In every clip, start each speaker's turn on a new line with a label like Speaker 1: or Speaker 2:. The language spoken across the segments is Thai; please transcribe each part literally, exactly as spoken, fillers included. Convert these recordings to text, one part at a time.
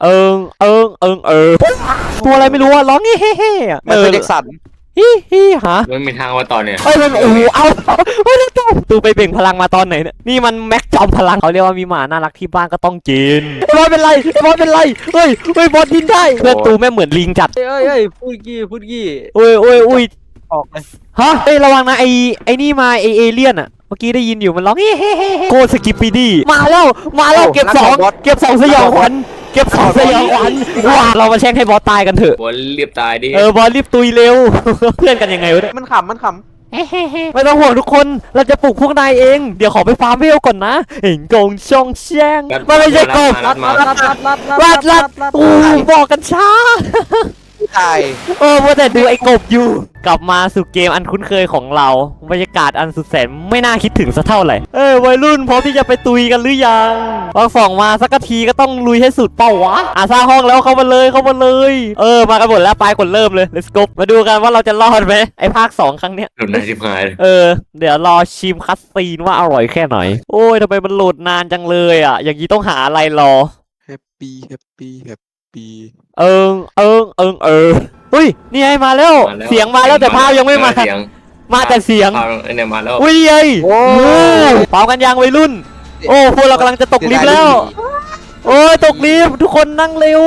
Speaker 1: เอิงเอิงเอิงเออตัวอะไรไม่รู้อะร้องเฮ้เฮ้เฮ้อะ
Speaker 2: มันเป็นเด็กสัน
Speaker 1: ฮิฮิฮะ
Speaker 3: มันมีทางว่าตอนเนี่ย
Speaker 1: เอ้ยมันโอ้โหเอาเฮ้ยแล้วตูไปเบ่งพลังมาตอนไหนเนี่ยนี่มันแม็กจอมพลังเขาเรียกว่ามีหมาน่ารักที่บ้านก็ต้องกินไอ้บอสเป็นไรไอ้บอสเป็นไรเฮ้ยเฮ้ยบอสกินได้เพื่อนตูแม่เหมือนลิงจัด
Speaker 2: เอ้ยเอ้ยพูดกี้พูดกี้
Speaker 1: โอ้ยโอ้ยโอ้ย
Speaker 2: ออกเลย
Speaker 1: ฮะเอ้ยระวังนะไอไอนี่มาไอเอเลี่ยนอะเมื่อกี้ได้ยินอยู่มันร้องเฮ้เฮ้เฮ้โกสกิปปีดี้มาแล้วมาแล้วเก็บสองเก็บสองสยองขวัญเก็บสองสยองขวัญว้าเรามาแช่งให้บอสตายกันเถอะ
Speaker 3: บอลเรียบตายดิ
Speaker 1: เออบอสรีบตุยเร็วเพื่อนกันยังไงวะเนี่ย
Speaker 2: มันขำมันขำ
Speaker 1: ไม่ต้องห่วงทุกคนเราจะปลุกพวกนายเองเดี๋ยวขอไปฟาร์มเวลก่อนนะเห็นกงช่องแช่งมันไม่ใช่กบ
Speaker 3: รัดมา
Speaker 2: รัดรัดรัด
Speaker 1: รัดรัดอู้บอกกันช้า
Speaker 2: ตาย
Speaker 1: เออว่าแต่ดูไอ้กบอยู่กลับมาสู่เกมอันคุ้นเคยของเราบรรยากาศอันสุดแสนไม่น่าคิดถึงสักเท่าไหร่เอ้ยวัยรุ่นพร้อมที่จะไปตุยกันหรือยังพอส่องมาสักทีก็ต้องลุยให้สุดเป้าวะอ่ะสร้างห้องแล้วเข้ามาเลยเข้ามาเลยเออมากันหมดแล้วไปกดเริ่มเลย let's go มาดูกันว่าเราจะรอดไหมไอ้ภาคสองครั้งเนี้ย
Speaker 3: หลุดนายชิบหาย
Speaker 1: เออเดี๋ยวรอชิมคัสซีนว่าอร่อยแค่ไหนโอ้ยทำไมมันโหลดนานจังเลยอ่ะอย่างนี้ต้องหาอะไรรอ
Speaker 2: แฮปปี้แฮปปี้แฮปปี้
Speaker 1: เอิงเอิงเอิงเออเฮ้ยนี่ไงมาแล้วเสียงมาแล้วแต่ภาพยังไม่มามาแต่เสียง
Speaker 3: เนี่ยมาแล้ว
Speaker 1: อุ้ยไงโอ้เป่ากันยังวัยรุ่นโอ้พวกเรากำลังจะตกลิฟต์แล้วโอ้ยตกลิฟต์ทุกคนนั่งเร็ว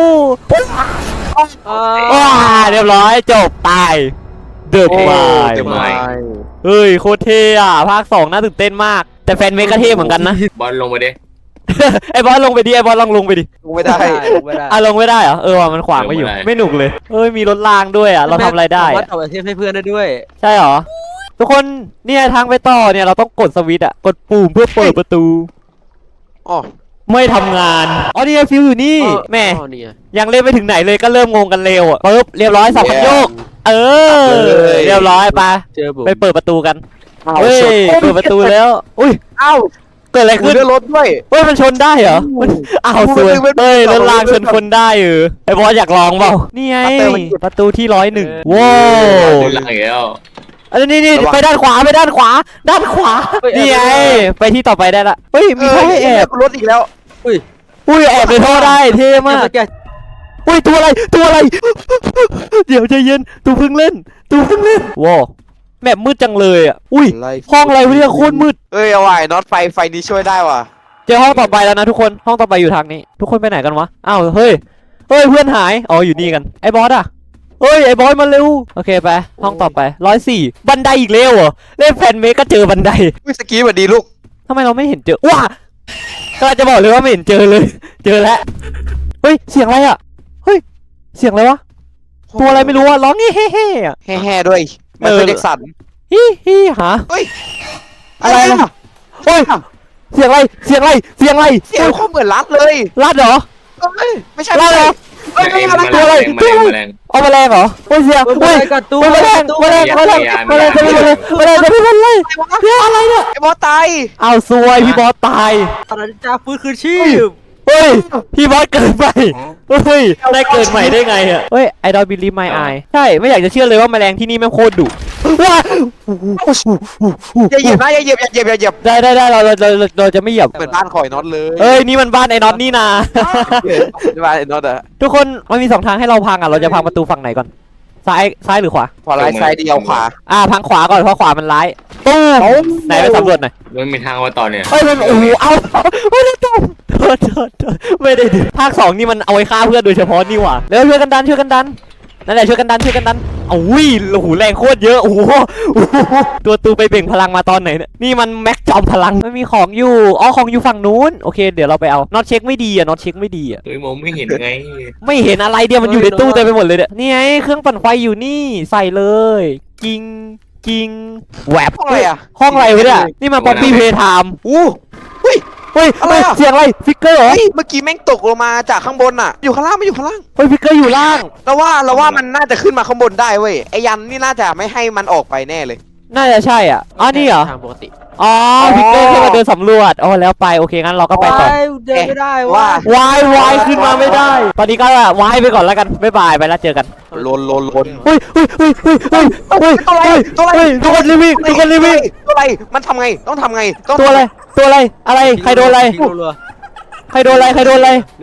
Speaker 1: ว้าเรียบร้อยจบตายเดือดวายเฮ้ยโคตรเท่อะภาคสองน่าตื่นเต้นมากแต่แฟนเมกก็เท่เหมือนกันนะ
Speaker 3: บอลลงไปดิ
Speaker 1: ไอ้บอสลงไปดิไอ้บอสลองลงไปดิ
Speaker 2: ลงไม่ได้ลงไม่ได้
Speaker 1: อ่ะลงไม่ได้เหรอเออว่ะมันขวางไม่อยู่ไม่หนุกเลยเอ้ยมีรถรางด้วยอ่ะเราทำอะไรได้
Speaker 2: วัดต่อประเทศให้เพื่อนได้ด้วย
Speaker 1: ใช่เหรอทุกคนเนี่ยทางไปต่อเนี่ยเราต้องกดสวิตช์อ่ะกดปุ่มเพื่อเปิดประตู
Speaker 2: อ๋อ
Speaker 1: ไม่ทำงานอ๋อนี่ไงฟิวอยู่นี่แม่ยังเล่นไม่ถึงไหนเลยก็เริ่มงงกันเร็วอ่ะปึ๊บเรียบร้อยสับพันโยกเออเรียบร้อยไปไปเปิดประตูกันเฮ้ยเปิดประตูแล้วอุ้ย
Speaker 2: เอ้า
Speaker 1: เกิดอะไรขึ้น
Speaker 2: เรือรถด้วย
Speaker 1: เฮ้ยมันชนได้เหรออ้าวสวยเฮ้ยรถรางชนคนได้เออไอ้บอสอยากลองเปล่านี่ไงประตูที่ร้อยหนึ่งว้าว
Speaker 3: หลังแล้ว
Speaker 1: อันนี้นี่ไปด้านขวาไปด้านขวาด้านขวานี่ไงไปที่ต่อไปได้ละเฮ้ยมีท่อให้แอบ
Speaker 2: รถอีกแล้วอุ้ย
Speaker 1: อุ้ยแอบในท่อได้เท่มากอุ้ยตัวอะไรตัวอะไรเดี๋ยวใจเย็นตูเพิ่งเล่นตูเพิ่งเล่นว้าวแมปมืดจังเลยอ่ะอุ้ยห้องอะไรวะเนี่ยโคตรมืด
Speaker 2: เอ้ยเอาไว้น็อตไฟไฟนี้ช่วยได้ว่ะ
Speaker 1: เจอห้องต่อไปแล้วนะทุกคนห้องต่อไปอยู่ทางนี้ทุกคนไปไหนกันวะอ้าวเฮ้ยเฮ้ยเพื่อนหายอ๋ออยู่นี่กันไอ้บอสอ่ะเฮ้ยไอ้บอสมาเร็วโอเคไปห้องต่อไปร้อยสี่บันไดอีกแล้วเหรอเล่นแฟนเมกก็เจอบันได
Speaker 2: วิสกี้สวัสดีลูก
Speaker 1: ทำไมเราไม่เห็นเจอว้าก็จะบอกเลยว่าไม่เห็นเจอเลยเจอแล้วเฮ้ยเสียงอะไรอ่ะเฮ้ยเสียงอะไรวะตัวอะไรไม่รู้อ่ะร้องเฮ้เฮ้เฮ้
Speaker 2: แห่ๆด้วยมันเป็นเด็กสัน
Speaker 1: ฮิฮิหา
Speaker 2: เฮ้ย
Speaker 1: อะไรนะเฮ้ยเสียงอะไรเสียงอะไรเสียงอะไร
Speaker 2: เสียงเขาเหมือนรัดเลย
Speaker 1: รัดเหรอ
Speaker 2: ไม่ใช่
Speaker 1: รัดเหรอ
Speaker 3: เอ้ยตัวอะไรตัวอะไร
Speaker 1: เอาแมลงเหรอเฮ้ยเสียงเฮ้ยแมลงแมลงแมลงแมลงจะไม่เลยแมลงจะไม่เลยเรื่องอะไรเนี่ย
Speaker 2: ไอ้บอสตาย
Speaker 1: เอาซวยพี่บอสตาย
Speaker 2: อะไรจ้าฟื้นคืนชีพ
Speaker 1: เฮ้ยพี่บอสเกิดใหม่เฮ้ยได้เกิดใหม่ได้ไงอ่ะเฮ้ย I don't believe my eye ใช่ไม่อยากจะเชื่อเลยว่าแมลงที่นี่แม่งโคตรดุว้า
Speaker 2: อย่าเหยียบนะอย่าเหยียบอย่าเหยียบอย่าเหยียบ
Speaker 1: ได้ได้ได้เราเราเราเราจะไม่เหยียบ
Speaker 2: เหมือนบ้านข่อยน็อตเลย
Speaker 1: เอ้ยนี่มันบ้านไอ้น็อตนี่นา
Speaker 2: บ้านไอ้น็อตอะ
Speaker 1: ทุกคนมันมีสองทางให้เราพังอ่ะเราจะพังประตูฝั่งไหนก่อนซ้ายซ้ายหรือขวา
Speaker 2: ขวาร้ายซ้ายเดียวขวา
Speaker 1: อ่าพังขวาก่อนเพราะขวามันร้ายตู้ไหนไปสำรวจหน่อย
Speaker 3: มันมีทางว่าตอนเนี่ย
Speaker 1: เฮ้ยมันโอ้โหเอาไม่ได้ตุ้มโทษโทษไม่ได้ดิภาคสองนี่มันเอาไว้ฆ่าเพื่อนโดยเฉพาะนี่หว่าแล้วช่วยกันดันช่วยกันดันนั่นแหละช่วยกันดันช่วยกันดันอุ้ยโอ้โหแรงโคตรเยอะโอ้โหตัวตูไปเบ่งพลังมาตอนไหนเนี่ยนี่มันแม็กจอมพลังไม่มีของอยู่อ๋อของอยู่ฝั่งนู้นโอเคเดี๋ยวเราไปเอาน็อตเช็คไม่ดีอะน็อตเช็คไม่ดีอะ
Speaker 3: เฮ้ยมองไม่เห็นไง
Speaker 1: ไม่เห็นอะไรเดียวมันอยู่ในตู้เต็มไปหมดเลยเนี่ยนี่ไงเครื่องปั่นไฟอยู่นี่ใส่เลยกิงกิงแหวบ
Speaker 2: ห้องอะไรอะ
Speaker 1: ห้องอะไรวะเนี่ยนี่มันป๊อปปี้เพย์ไทม์
Speaker 2: อู้เฮ้ย
Speaker 1: เฮ้ยอะไรเสียงอะไรฟิกเกอร์เหรอ
Speaker 2: เมื่อกี้แม่งตกลงมาจากข้างบนอะอยู่ข้างล่างไม่อยู่ข้างล่าง
Speaker 1: เฮ้ยฟิกเกอร์อยู่ล่าง
Speaker 2: เราว่าเราว่ามันน่าจะขึ้นมาข้างบนได้เว้ยไอ้ยันนี่น่าจะไม่ให้มันออกไปแน่เลย
Speaker 1: น่าจะใช่อ่ะอ๋อนี่เหรอ
Speaker 2: ทางปกติ
Speaker 1: อ๋อฟิกเกอร์ขึ้นมาเดินสำรวจอ๋อแล้วไปโอเคงั้นเราก็ไปต่อ
Speaker 2: เดินไม่ได้ว่
Speaker 1: าวายวายขึ้นมาไม่ได้ตอนนี้ก็วายไปก่อนแล้วกันบ๊ายบายไปแล้วเจอกัน
Speaker 2: ลนลนลน
Speaker 1: เฮ้ยเฮ้ยเฮ้ยเฮ้ยเฮ้ยเฮ้ยตัวอะไรตัวอะไรทุกคนรีวิวทุกคนรีวิว
Speaker 2: ตัวอะไรมันทำไงต้องทำไง
Speaker 1: ตัวอะไรตัวอะไรอะไรใครโดนอะไรใครโดนอะไรใครโดนอะไร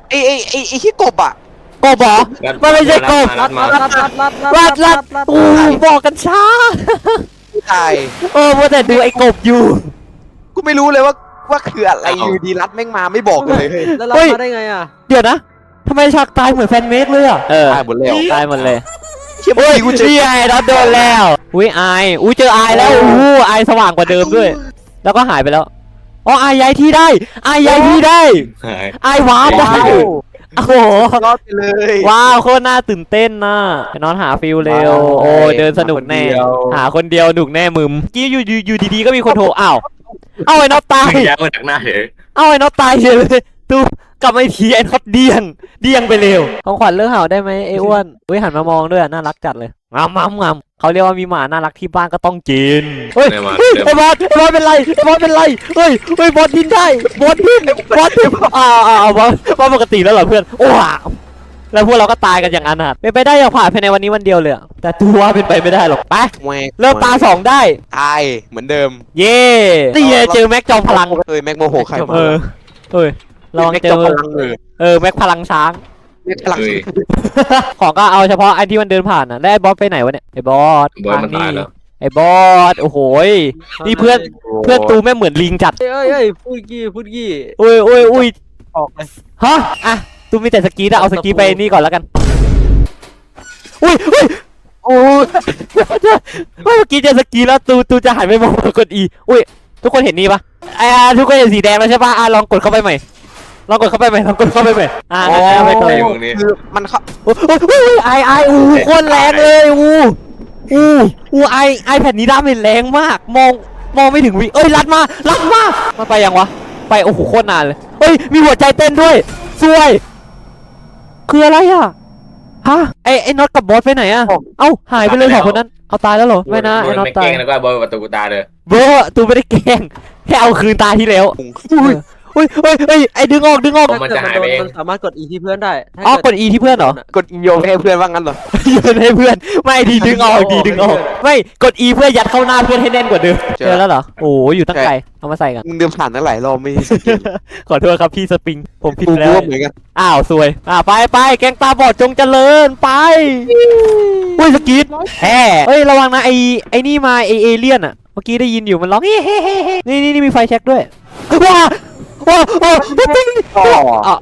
Speaker 2: ไอ้ไอ้ไอ้ไอ้ที่กบอ่ะ
Speaker 1: กบเหรอมันไม่ใช่กบ
Speaker 3: รัดมา
Speaker 4: รั
Speaker 3: รั
Speaker 4: ด
Speaker 3: ดมา
Speaker 4: รัดรัดรัด
Speaker 1: รัดรัดอู้บอกกันช้า
Speaker 2: ตาย
Speaker 1: เออว่าแต่ดูไอ้กบอยู่
Speaker 2: กูไม่รู้เลยว่าว่าคืออะไรอยู่ดีรัดแม่งมาไม่บอกเลยเฮ้ย
Speaker 4: แล้วรัดมาได้ไงอ่ะ
Speaker 1: เดี๋ยวนะทำไมฉากตายเหมือนแฟนเมดเลยอ่ะเออ
Speaker 2: ตายหมดแล้ว
Speaker 1: ตายหมดเลย
Speaker 2: เชี่ย
Speaker 1: อุ้ย
Speaker 2: กูเจอ
Speaker 1: นี่ไงเราโดนแล้วอุ้ยอายอุ้ยเจออายแล้วอู้อายสว่างกว่าเดิมด้วย แล้วก็หายไปแล้วอ๋ออายย้ายที่ได้อายย้ายที่ได้
Speaker 3: หาย
Speaker 1: อายว้าวได้ โอ้โห
Speaker 2: รอดไปเลย
Speaker 1: ว้าวโคตรน่าตื่นเต้นนะไปนอนหาฟิลเร็ว
Speaker 2: ว้าว
Speaker 1: โอ้เดินสนุกแน่
Speaker 2: หาคนเดียว
Speaker 1: หาคนเดียวหนุกแน่มึมกี้อยู่อยู่อยู่ดีๆก็มีคนโทรอ้าวเอาไอ้น็อตตาย
Speaker 3: ยักษ์มาจากหน้าเฉย
Speaker 1: เอาไอ้น็อตตายเฉยเลยตูกลับมาอีกทีไอ้น็อตเดียงเดียงไปเร็วของขวัญเลิกเห่าได้ไหมไอ้อ้วนอุ้ยหันมามองด้วยน่ารักจัดเลยงามงามงามเขาเรียกว่ามีหมาน่ารักที่บ้านก็ต้องกินเฮ้ย
Speaker 3: เดินมา
Speaker 1: เฮ้ย
Speaker 3: เดิน
Speaker 1: ไอ้บอสไอ้บอสเป็นไรไอ้บอสเป็นไรเฮ้ยเฮ้ยบอสดิ้นได้บอสดิ้นบอสดิ้นอ่าอ่าอ่าบอสบอสปกติแล้วเหรอเพื่อนโอ้ว้าวแล้วพวกเราก็ตายกันอย่างอนาถเป็นไปได้อย่างผ่านภายในวันนี้วันเดียวเลยอะแต่ตัวเป็นไปไม่ได้หรอกไป
Speaker 2: แหวก
Speaker 1: เริ่มตาสองได้
Speaker 2: ตายเหมือนเดิม
Speaker 1: เย่นี่ไงเจอแม็กจอมพลัง
Speaker 2: เอ้ยแม็กโมโหใครมา
Speaker 1: เออเฮ้ยระวัง
Speaker 2: แม็ก
Speaker 1: เจ
Speaker 2: จ
Speaker 1: อ
Speaker 2: อมพลังเลย
Speaker 1: เออแม็กพลังช้าง
Speaker 2: แม็กพลัง
Speaker 3: เฮ้ย
Speaker 1: ของก็เอาเฉพาะไอ้ที่มันเดินผ่านนะแล้วไอ้บอสไปไหนวะเนี่ยไอ้บอส
Speaker 3: บอยมัน
Speaker 1: ทง
Speaker 3: ตายแล้ว
Speaker 1: ไอ้บอสโอ้โหยนี่เพื่อนเพื่อนตูแม่งเหมือนลิงจัด
Speaker 4: เอ้ยเอ้ยเอ้ยพูดกี้พูดกี้
Speaker 1: อุ้ยอุ้ยอุ้ย
Speaker 4: ออกเลย
Speaker 1: ฮะอ่ะตูมีแต่สกีนะเอาสกีไปนี่ก่อนแล้วกันอุ้ยอุ้ยโอ้ยเมื่อกี้เจอสกีแล้วตูตูจะหันไปมองกดอีอุ้ยทุกคนเห็นนี่ปะอ่าทุกคนเห็นสีแดงแล้วใช่ปะอ่ะลองกดเข้าไปใหม่ลองกดเข้าไปใหม่ลองกดเข้าไปใหม่อ่า
Speaker 2: อ๋อ
Speaker 1: นั่นๆไปก่อน
Speaker 3: ไอ้พวกนี้
Speaker 2: คือมันเขา
Speaker 1: โอ้ยโอ้ยโอ้ยไอไออู้โคตรแรงเลยอู้อู้อู้ไอไอแผ่นนี้ดาเมจแรงมากมองมองไม่ถึงวิเอ้ยรัดมารัดมามันไปยังวะไปโอ้โหโคตรนานเลยเอ้ยมีหัวใจเต้นด้วยสวยคืออะไรอ่ะฮะไอไอน็อตกับบอสไปไหนอ่ะเอ้าหายไปเลยสองคนนั้นเอาตายแล้วเหรอไม่นะไอน็อต
Speaker 3: ไม่
Speaker 1: ตา
Speaker 3: เก่
Speaker 1: ย
Speaker 3: งแล้วก็บอยประตูกูตายเลย
Speaker 1: เบอร์ตูไม่ได้แกล้งแค่เอาคืนตาที่แล้วอุ้ยอุ้ยเฮ้ยเฮ้ยไอดึงออกดึงออก
Speaker 4: ถ้าเกิดมันโดนมันสามารถกดอีที่เพื่อนได้ถ้า
Speaker 1: อ๋อ
Speaker 4: เ
Speaker 1: กด E ที่เพื่อนเหรอ
Speaker 2: กดโยงให้เพื่อนว่างั้นเหรอ
Speaker 1: โยนให้เพื่อนไม่ดีดึงออกดีดึงออกไม่กด E เพื่อยัดเข้าหน้าเพื่อนให้แน่นกว่าเดิมเจอแล้วเหรอโอ้อยู่ตั้งไกลเอามาใส่กัน
Speaker 2: มึงเดินผ่านตั้งหลายรอบไม่สกิล
Speaker 1: ขอโทษครับพี่สปริงผมผิด
Speaker 2: กู
Speaker 1: แล้
Speaker 2: กู
Speaker 1: ว
Speaker 2: ก็เหมือนกัน
Speaker 1: อ้าวสวยอ่าไปไปแกงตาบอดจงเจริญไปอุ้ยสกีดแฮ่เฮ้ยระวังนะไอไอนี่มาไอเอเลี่ยนอ่ะเมื่อกี้ได้ยินอยู่มันร้องเฮ้เฮ้เฮ้เฮ้นี่นี่นี่มีไฟแช็กด้วยว้าว้าว้าปิ๊ง
Speaker 2: อ๋อ
Speaker 1: อ่ะ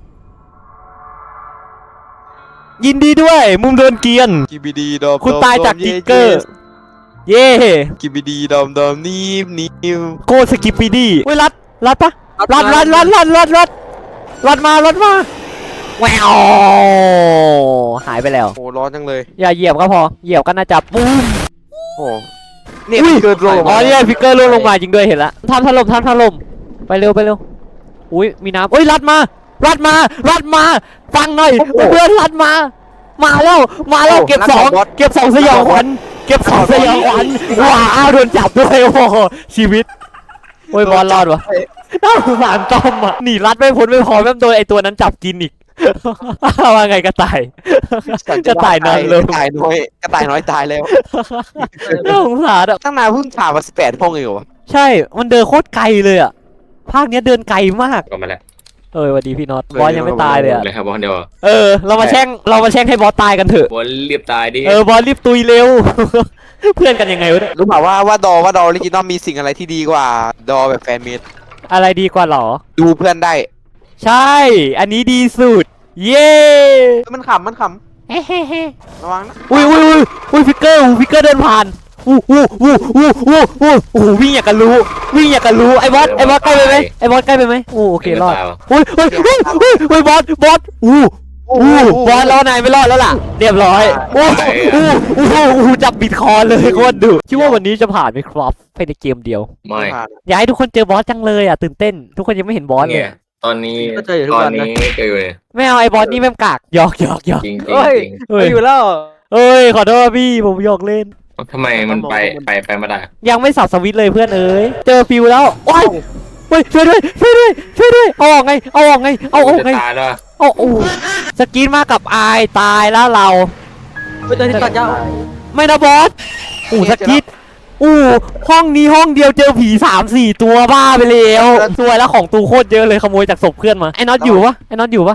Speaker 1: ยินดีด้วยมุมโดนเกียน
Speaker 2: กิบิดีดอม
Speaker 1: คุณตายจากกิ๊กเกอร์ เย่
Speaker 2: กิบิดีดอมดอมนิ่มนิ่ม
Speaker 1: โคตรสกิปปีดี้เว้ยรัดรัดปะรัดรัดรัดรัดรัดรัดรัดมารัดมาแววหายไปแล้ว
Speaker 2: โอ้ร้อนจังเลย
Speaker 1: อย่าเหยียบก็พอเหยียบก็น่าจะปุ้ม
Speaker 2: โอ้เนี่ย
Speaker 1: อุ้ย
Speaker 2: เกิดโล
Speaker 1: อ๋อเนี่ยฟิกเกอร์ล่วงลงมาจริงด้วยเห็นละทำถล่มทำถล่มไปเร็วไปเร็วอุ้ยมีน้ำเอ้ยรัดมารัดมารัดมาฟังหน่อยเพื่อนรัดมา มาแล้วมาแล้วเก็บสองเก็บสองสยองขวัญเก็บสองสยองขวัญว้าวโดนจับด้วยโอ้โหชีวิตโอ้ยบอลรอดวะน่าสงสารต้อมอ่ะหนีรัดไม่พ้นไม่พอแม่งโดนไอตัวนั้นจับกินอีกว่าไงกระต่ายกระต่ายนอนเลย
Speaker 2: กระต่ายน้อยกระต่ายน้อยตายแล้ว
Speaker 1: น่าสงสารอ่ะ
Speaker 2: ตั้งนานเพิ่งผ่านมาสิบแปดห้องเองเหรอวะ
Speaker 1: ใช่มันเดินโคตรไกลเลยอ่ะภาคเนี้ยเดินไกลมาก
Speaker 3: ก็มาแล้ว
Speaker 1: เออสวัสดีพี่น็อตบอสยังไม่ตายเลยอ่ะ
Speaker 3: เลยครับบอลเดียว
Speaker 1: เออเรามาแช่งเรามาแช่งให้บอสตายกันเถอะ
Speaker 3: บอลเรียบตายดิ
Speaker 1: เออบอสรีบตุยเร็ว เพื่อนกันยังไงวะเนี่ย
Speaker 2: รู้เปล่าว่าว่าดอว่าดอออริจินอลมีสิ่งอะไรที่ดีกว่าดอแบบแฟนเมด
Speaker 1: อะไรดีกว่าหรอ
Speaker 2: ดูเพื่อนได้
Speaker 1: ใช่ อันนี้ดีสุด เย้
Speaker 2: มันขำมันข
Speaker 1: เฮ้เฮ้เฮ้
Speaker 2: ำระวังนะ
Speaker 1: อุ้ยอุ้ยอุ้ยอุ้ยฟิกเกอร์ฟิกเกอร์เดินผ่านอู้อู้อู้อู้อู้อู้โอ้โหวิ่งอยากกันรู้ วิ่งอยากกันรู้ ไอ้บอส ไอ้บอสใกล้ไปไหมไอ้บอสใกล้ไปไหมโอ้โอเครอดอุ้ยอุ้ยอุ้ยอุ้ยอุ้ยบอส บอส อู้อู้บอสรอนายไม่รอดแล้วล่ะ เรียบร้อยอู้อู้อู้อู้จับบิดคอเลยโคตรดุคิดว่าวันนี้จะผ่านไหมครับภายในเกมเดียว
Speaker 3: ไม่
Speaker 2: ผ่าน
Speaker 1: อยากให้ทุกคนเจอบอสจังเลยอ่ะตื่นเต้น ทุกคนยังไม่เห็นบอสเล
Speaker 3: เนี่ย ยตอนนี้
Speaker 4: ก็เจออยู่ทุก
Speaker 3: ตอ
Speaker 4: วัน นนะ
Speaker 3: นี้เจออยู่เนี่ย
Speaker 1: ไม่เอาไอ้บอสนี่แม่งกากหยอกหยอกหยอก
Speaker 3: จริงจริง
Speaker 4: เฮ้ย
Speaker 3: จริง
Speaker 1: เฮ้ย
Speaker 4: อยู่แล้ว
Speaker 1: เอ้ยขอโทษพี่ผมหยอกเล่น
Speaker 3: ทำไมมันไปไปไปมาได้
Speaker 1: ยังไม่สับสวิตช์เลยเพื่อนเอ้ยเจอฟิวแล้วโอ้ยเฮ้ยช่วยด้วยช่วยด้วยช่วยด้วยเอาออกไงเอาออกไงเอาออกไง
Speaker 3: จะตายแล้ว
Speaker 1: เอาโอ้สกินมากับอายตายแล้วเรา
Speaker 4: ไปเจอที่ตัดยาว
Speaker 1: ไม่นะบอสอู้สกินอู้ห้องนี้ห้องเดียวเจอผีสามสี่ตัวบ้าไปแล้วตัวแล้วของตูโคตรเยอะเลยขโมยจากศพเพื่อนมาไอ้น็อตอยู่ปะไอ้น็อตอยู่ปะ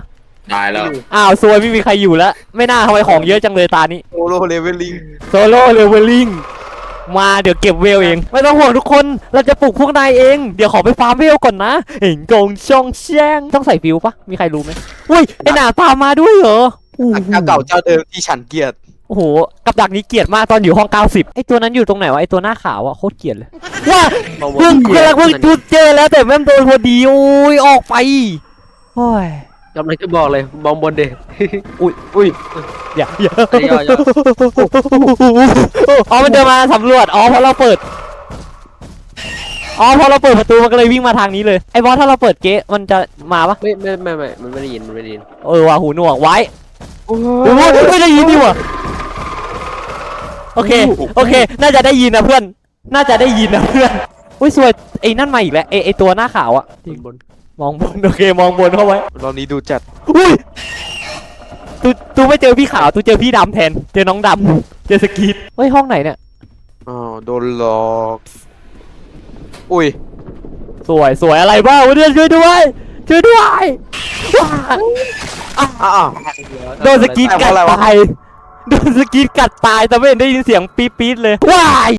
Speaker 3: ตายแล้ว
Speaker 1: อ้าวซวยไม่มีใครอยู่แล้วไม่น่าทำไมของเยอะจังเลยตานี้
Speaker 2: โซโลเลเวลลิง
Speaker 1: โซโล่เลเวลลิ่งมาเดี๋ยวเก็บเวลเอง ไม่ต้องห่วงทุกคนเราจะปลุกพวกนายเองเดี๋ยวขอไปฟาร์มเวลก่อนนะเห็นกงช่องแช่งต้องใส่ฟิวปะมีใครรู้ไหมอุ้ยไอหนาตามมาด้วยเหรอโอ้โห
Speaker 2: เจ้าเก่าเจ้าเดิมที่ฉันเกลียด
Speaker 1: โอ้โหกับดักนี้เกลียดมากตอนอยู่ห้องเก้าสิบไอตัวนั้นอยู่ตรงไหนวะไอตัวหน้าขาวอะโคตรเกลียดเลยว่าเพิ่งเพิ่งเพิ่งจุดเจอแล้วแต่แม่งโดนพอดีโอ้ยออกไปโอ้ย
Speaker 4: กำลังจะบอกเลยมองบนเด็ก
Speaker 1: อุ้ยอุ้ยอย่าอย่า
Speaker 4: ย่อย่อ
Speaker 1: อ๋อมันเดินมาสำรวจอ๋อเพราะเราเปิดอ๋อพอเราเปิดประตูมันก็เลยวิ่งมาทางนี้เลยไอ้บอสถ้าเราเปิดเก๊ะมันจะมาปะ
Speaker 4: ไม่ไม่ไม่ไม่มันไม่ได้ยินมันไม่ได้ยิน
Speaker 1: เออว่ะหูหนวกไว้
Speaker 2: โอ้
Speaker 1: โอ้โหไม่ได้ยินดิว่ะโอเคโอเค น่าจะได้ยินนะเพื่อน น่าจะได้ยินนะเพื่อนอุ้ยสวยไอ้นั่นมาอีกแล้วไอ้ไอ้ตัวหน้าขาวอะ
Speaker 4: บน
Speaker 1: มองบนโอเคมองบนเข้าไว้
Speaker 2: รอบนี้ดูจัด
Speaker 1: อุ้ยตูตูไม่เจอพี่ขาวตูเจอพี่ดำแทนเจอน้องดำเจอสกีดเฮ้ยห้องไหนเนี่ย
Speaker 2: อ๋อโดนหลอกอุ้ย
Speaker 1: สวยสวยอะไรบ้างวะเนี่ยช่วยด้วยช่วยด้วยว้า
Speaker 2: อ้าว
Speaker 1: โดนสกีดกัดตายโดนสกีดกัดตายแต่ไม่เห็นได้ยินเสียงปี๊ดๆเลยว้าย